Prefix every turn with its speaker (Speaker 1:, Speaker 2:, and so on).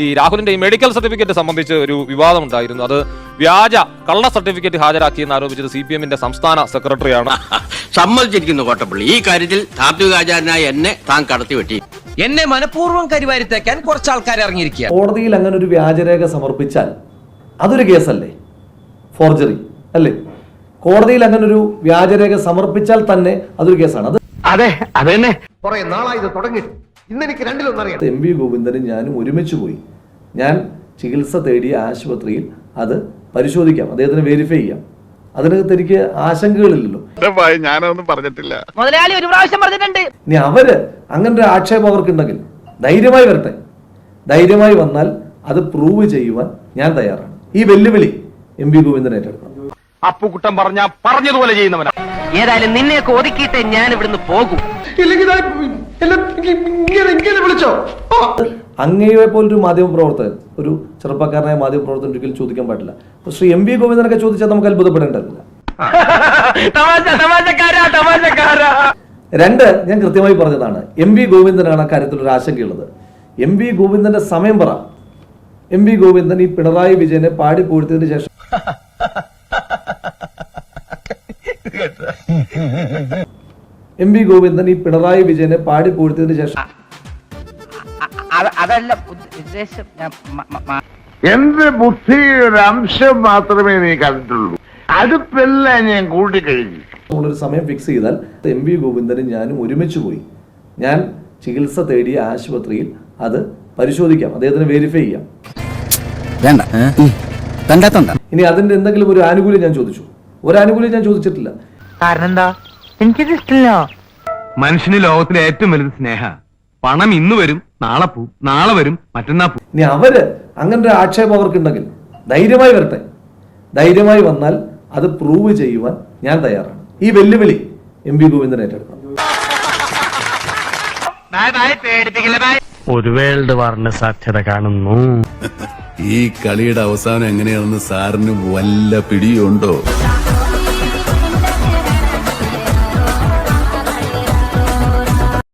Speaker 1: ഈ രാഹുലിന്റെ ഈ മെഡിക്കൽ സർട്ടിഫിക്കറ്റ് സംബന്ധിച്ച് ഒരു വിവാദം ഉണ്ടായിരുന്നു. അത് വ്യാജ കള്ള സർട്ടിഫിക്കറ്റ് ഹാജരാക്കിയെന്ന് ആരോപിച്ചത് CPM-ന്റെ സംസ്ഥാന സെക്രട്ടറിയാണ്.
Speaker 2: സമ്മതിച്ചിരിക്കുന്നു കോട്ടപ്പള്ളി. ഈ കാര്യത്തിൽ താത്വികാചാരനായ എന്നെ താൻ കടത്തിവെട്ടി.
Speaker 3: എന്നെ മനഃപൂർവ്വം കരിവാരിത്തേക്കാൻ കുറച്ച് ആൾക്കാർ ഇറങ്ങിയിരിക്കുക.
Speaker 4: കോടതിയിൽ അങ്ങനെ ഒരു വ്യാജരേഖ സമർപ്പിച്ചാൽ അതൊരു കേസല്ലേ? ഫോർജറി അല്ലേ? കോടതിയിൽ അങ്ങനെ ഒരു വ്യാജരേഖ സമർപ്പിച്ചാൽ തന്നെ അതൊരു കേസാണ്. അത്
Speaker 2: അതെ അതന്നെ.
Speaker 5: കുറെ നാളായി ഇത് തുടങ്ങി. ഇന്നെനിക്ക് രണ്ടിലൊന്നറിയാം.
Speaker 4: MV ഗോവിന്ദനും ഞാനും ഒരുമിച്ച് പോയി. ഞാൻ ചികിത്സ തേടിയ ആശുപത്രിയിൽ അത് പരിശോധിക്കാം, അദ്ദേഹത്തിന് വെരിഫൈ ചെയ്യാം. അതിനകത്ത് എനിക്ക് ആശങ്കകളില്ലല്ലോ.
Speaker 6: ഞാനൊന്നും പറഞ്ഞിട്ടില്ല.
Speaker 7: മുതലാളി ഒരു പ്രാവശ്യം പറഞ്ഞിട്ടുണ്ട്.
Speaker 4: ഇനി അവര് അങ്ങനെ ഒരു ആക്ഷേപം അവർക്കുണ്ടെങ്കിൽ ധൈര്യമായി വരട്ടെ. ധൈര്യമായി വന്നാൽ അത് പ്രൂവ് ചെയ്യുവാൻ ഞാൻ തയ്യാറാണ്. ഈ വെല്ലുവിളി MV ഗോവിന്ദൻ ഏറ്റെടുക്കണം.
Speaker 2: അപ്പുകുട്ടൻ പറഞ്ഞതുപോലെ ചെയ്യുന്നവനാ.
Speaker 7: ഏതായാലും നിന്നെയൊക്കെ ഒതുക്കിയിട്ട് ഞാൻ ഇവിടുന്ന് പോകും.
Speaker 5: വിളിച്ചോ?
Speaker 4: അങ്ങയെ പോലൊരു മാധ്യമപ്രവർത്തകൻ, ഒരു ചെറുപ്പക്കാരനായ മാധ്യമപ്രവർത്തകൻ ഒരിക്കലും ചോദിക്കാൻ പാടില്ല. അപ്പൊ ശ്രീ MV ഗോവിന്ദനൊക്കെ ചോദിച്ചാൽ നമുക്ക് അത്ഭുതപ്പെടേണ്ടതില്ല. രണ്ട്, ഞാൻ കൃത്യമായി പറഞ്ഞതാണ്, MV ഗോവിന്ദനാണ് അക്കാര്യത്തിൽ ഒരു ആശങ്കയുള്ളത്. MV ഗോവിന്ദന്റെ സമയം പറ. MV ഗോവിന്ദൻ ഈ പിണറായി വിജയനെ പാടി പൂഴ്ത്തിയതിനു ശേഷം MV ഗോവിന്ദൻ ഈ പിണറായി വിജയനെ പാടി പൂഴ്ത്തിയതിനു ശേഷം
Speaker 7: അതല്ല ഉദ്ദേശം.
Speaker 6: എന്റെ ബുദ്ധിയുടെ അംശം മാത്രമേ നീ കണ്ടിട്ടുള്ളൂ. അടുപ്പെല്ലാം ഞാൻ കൂട്ടിക്കഴിഞ്ഞു.
Speaker 4: നമ്മളൊരു സമയം ഫിക്സ് ചെയ്താൽ MV ഗോവിന്ദനും ഞാനും ഒരുമിച്ച് പോയി. ഞാൻ ചികിത്സ തേടിയ ആശുപത്രിയിൽ അത് പരിശോധിക്കാം, അദ്ദേഹത്തിന് വെരിഫൈ ചെയ്യാം. ഇനി അതിന്റെ എന്തെങ്കിലും ഒരു ആനുകൂല്യം ഞാൻ ചോദിച്ചു? ഒരു ആനുകൂല്യം ഞാൻ ചോദിച്ചിട്ടില്ല.
Speaker 7: കാരണം എന്താ? എനിക്കിത് ഇഷ്ടമില്ല.
Speaker 8: മനുഷ്യന് ലോകത്തിലെ ഏറ്റവും വലുത് സ്നേഹ. പണം ഇന്ന് വരും, നാളെ പോവും, നാളെ വരും, മറ്റന്നാ പോവും.
Speaker 4: ഇനി അവര് അങ്ങനെ ഒരു ആക്ഷേപം അവർക്കുണ്ടെങ്കിൽ ധൈര്യമായി വരട്ടെ. ധൈര്യമായി വന്നാൽ അത് പ്രൂവ് ചെയ്യുവാൻ ഞാൻ തയ്യാറാണ്. ഈ വെല്ലുവിളി MV ഗോവിന്ദൻ ഏറ്റെടുക്കണം.
Speaker 8: ഒരു വേൾഡ് വാറിന് സാധ്യത കാണുന്നു.
Speaker 9: ഈ കളിയുടെ അവസാനം എങ്ങനെയാണെന്ന് സാറിന് വല്ല പിടിയുണ്ടോ?